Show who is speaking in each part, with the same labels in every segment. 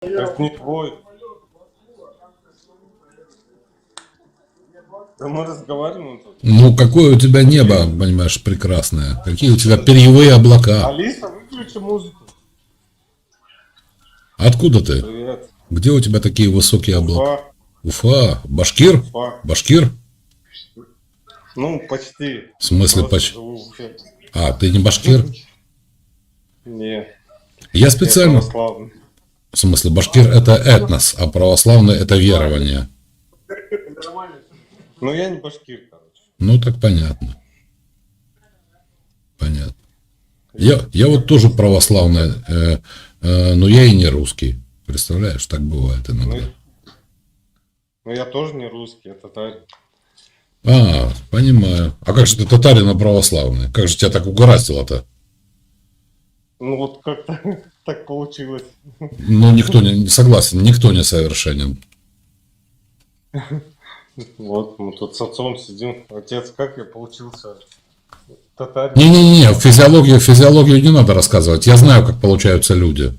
Speaker 1: Так не твой. Да мы разговариваем тут.
Speaker 2: Ну, какое у тебя небо, понимаешь, прекрасное. Какие у тебя перьевые облака.
Speaker 1: Алиса, выключи музыку.
Speaker 2: Откуда ты?
Speaker 1: Привет.
Speaker 2: Где у тебя такие высокие облака?
Speaker 1: Уфа.
Speaker 2: Уфа? Башкир?
Speaker 1: Уфа.
Speaker 2: Башкир?
Speaker 1: Ну, почти.
Speaker 2: В смысле
Speaker 1: Просто
Speaker 2: почти?
Speaker 1: живу в Уфе.
Speaker 2: А, ты не башкир?
Speaker 1: Не,
Speaker 2: Я
Speaker 1: я
Speaker 2: специально...
Speaker 1: православный.
Speaker 2: В смысле, башкир это этнос, а православный это верование.
Speaker 1: Ну, я не башкир, короче.
Speaker 2: Ну, так понятно. Понятно. Я вот тоже православный, но я и не русский. Представляешь, так бывает иногда.
Speaker 1: Ну, я тоже не русский, я татарин.
Speaker 2: А, понимаю. А как же ты татарин, а православный? Как же тебя так угораздило-то?
Speaker 1: Ну, вот как-то так получилось.
Speaker 2: Ну, никто не согласен, никто не совершенен.
Speaker 1: Вот, мы тут с отцом сидим. Отец, как я получился татарин?
Speaker 2: Не-не-не, физиологию не надо рассказывать. Я знаю, как получаются люди.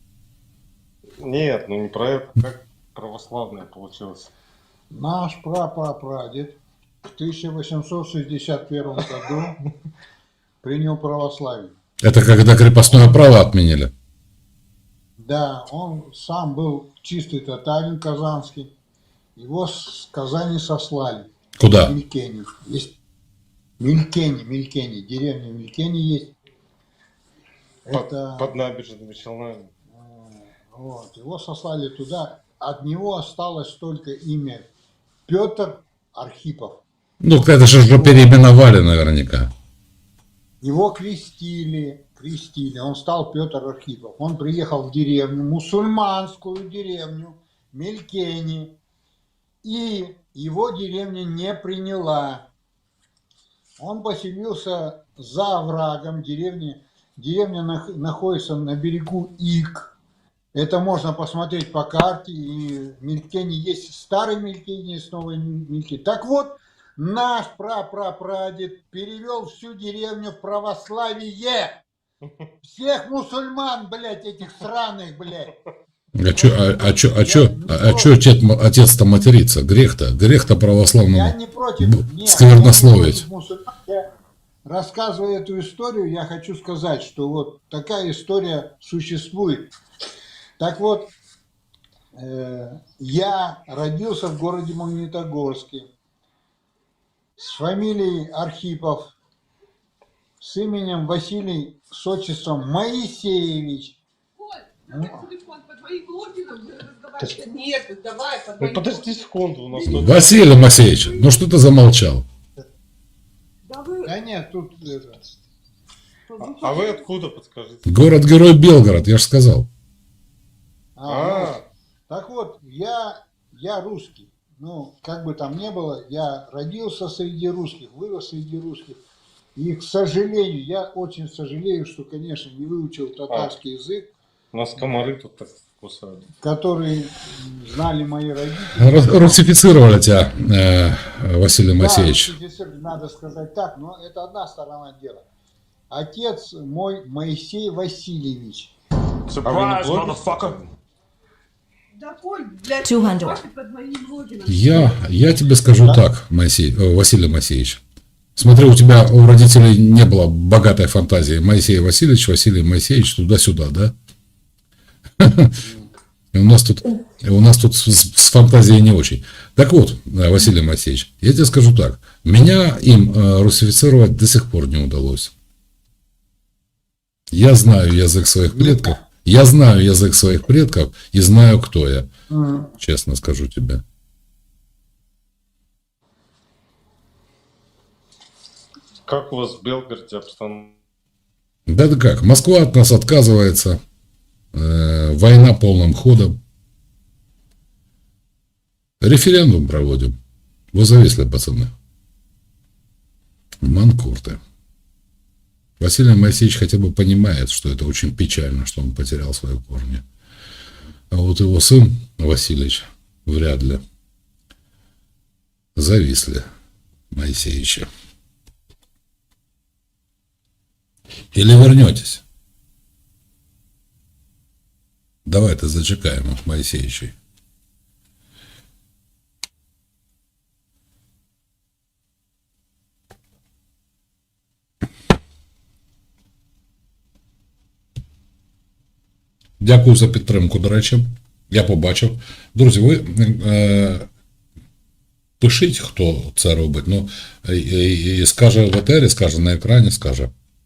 Speaker 1: Нет, ну не про это. Как православное получилось?
Speaker 3: Наш прапрапрадед в 1861 году принял православие.
Speaker 2: Это когда крепостное право отменили.
Speaker 3: Да, он сам был чистый татарин казанский. Его с Казани сослали.
Speaker 2: Куда?
Speaker 3: В Мелькени. Есть Мелькени, деревня Мелькени есть.
Speaker 1: Под набережными Челнами.
Speaker 3: Вот, его сослали туда. От него осталось только имя Петр Архипов.
Speaker 2: Ну, это же переименовали наверняка.
Speaker 3: Его крестили. Он стал Петр Архипов. Он приехал в деревню, мусульманскую деревню Мелькени. И его деревня не приняла. Он поселился за оврагом деревни. Деревня находится на берегу Ик. Это можно посмотреть по карте. И в Мелькени есть старый Мелькени, есть новый Мелькени. Так вот, наш прапрапрадед перевел всю деревню в православие. Всех мусульман, блядь, этих сраных, блядь.
Speaker 2: Чё отец-то матерится? Грех-то православному
Speaker 3: Я не против.
Speaker 2: сквернословить.
Speaker 3: Я, рассказывая эту историю, я хочу сказать, что вот такая история существует. Так вот, я родился в городе Магнитогорске с фамилией Архипов, с именем Василий, с отчеством Моисеевич.
Speaker 1: Нет, давай. Ну подожди секунду, у нас тут...
Speaker 2: Василий Моисеевич, ну что ты замолчал?
Speaker 3: Да нет, тут...
Speaker 1: А вы откуда, подскажите?
Speaker 2: Город-герой Белгород, я же сказал.
Speaker 3: Так вот, я русский. Ну, как бы там ни было, я родился среди русских, вырос среди русских. И, к сожалению, я очень сожалею, что, конечно, не выучил татарский язык.
Speaker 1: У нас комары тут так кусают.
Speaker 3: Которые знали мои родители.
Speaker 2: Русифицировали тебя, Василий Моисеевич.
Speaker 3: Да, надо сказать так, но это одна сторона дела. Отец мой Моисей Васильевич.
Speaker 1: Surprise, motherfucker!
Speaker 4: 200.
Speaker 2: Я тебе скажу так, Василий Моисеевич. Смотри, у тебя, у родителей не было богатой фантазии. Моисей Васильевич, Василий Моисеевич, туда-сюда, да? И у нас тут с фантазией не очень. Так вот, Василий Моисеевич, я тебе скажу так. Меня им русифицировать до сих пор не удалось. Я знаю язык своих предков. Я знаю язык своих предков и знаю, кто я. Честно скажу тебе.
Speaker 1: Как у вас в Белгороде обстановка?
Speaker 2: Да как, Москва от нас отказывается. Война полным ходом. Референдум проводим. Вы зависли, пацаны. Манкурты. Василий Моисеевич хотя бы понимает, что это очень печально, что он потерял свои корни. А вот его сын Васильевич вряд ли. Зависли Моисеевича. Или вернетесь? Давайте зачекаємо, Моїсеєвичі. Дякую за підтримку, до речі. Я побачив. Друзі, ви пишіть, хто це робить. Ну, і скаже в етері, скаже на екрані, скаже.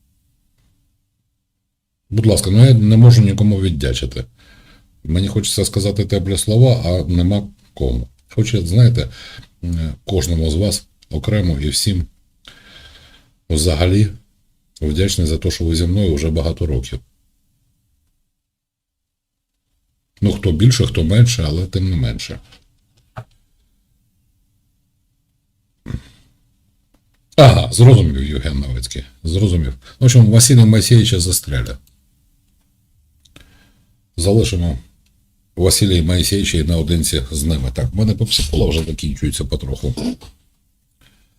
Speaker 2: Будь ласка, ну я не можу нікому віддячити. Мені хочеться сказати теплі слова, а нема кому. Хочу, знаєте, кожному з вас окремо і всім взагалі вдячний за те, що ви зі мною вже багато років. Ну, хто більше, хто менше, але тим не менше. Ага, зрозумів, Євген Новицький. Зрозумів. В общем, Василія Моїсеєвича застрелять. Залишимо Василія Моїсеєвича наодинці з ними. Так, в мене попсикола вже закінчується потроху.